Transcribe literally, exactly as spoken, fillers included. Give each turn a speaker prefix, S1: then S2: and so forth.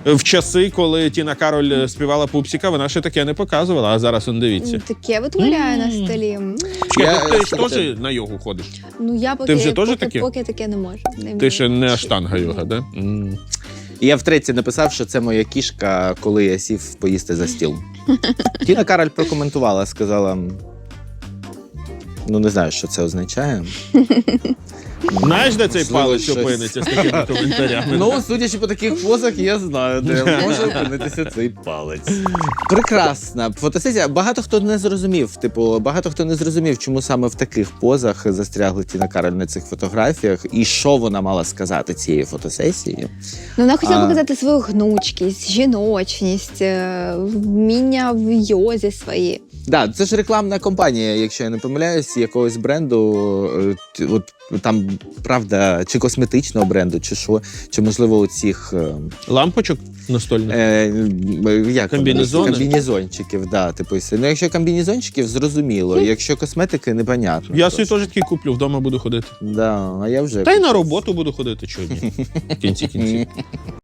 S1: В часи, коли Тіна Кароль співала Пупсіка, вона ще таке не показувала, а зараз он дивіться.
S2: Таке витворяє на столі. М.
S1: Чекай,
S3: Я-
S1: ти ж теж на йогу ходиш?
S2: Ну я поки,
S1: Ти вже теж
S2: поки,
S1: таке?
S2: поки таке не можу. Не
S1: Ти
S2: вмію.
S1: ще не аштанга йога, да? М.
S3: І я втретє написав, що це моя кішка, коли я сів поїсти за стіл. Тіна Кароль прокоментувала, сказала: ну, не знаю, що це означає.
S1: Знаєш, де цей
S3: Можливо,
S1: палець
S3: щось.
S1: опиниться з такими коментарями?
S3: Ну, судячи по таких позах, я знаю, де може опинитися цей палець. Прекрасна фотосесія. Багато хто не зрозумів, типу, багато хто не зрозумів, чому саме в таких позах застрягли Тіна Кароль на цих фотографіях, і що вона мала сказати цієї фотосесії.
S2: Ну, вона хотіла
S3: А.
S2: показати свою гнучкість, жіночність, е, вміння в йозі свої.
S3: Да, це ж рекламна кампанія, якщо я не помиляюсь, якогось бренду, е, т- от там, правда, чи косметичного бренду, чи що, чи можливо у цих е,
S1: Лампочок настольних?
S3: е, як вони?
S1: Комбінезони?
S3: Комбінезончиків, да, типу, ну якщо комбінезончиків, зрозуміло, якщо косметики, непонятно.
S1: Я собі теж такий куплю, вдома буду ходити.
S3: Да, а я вже
S1: Та й на роботу буду ходити, чого ні. В кінці кінці.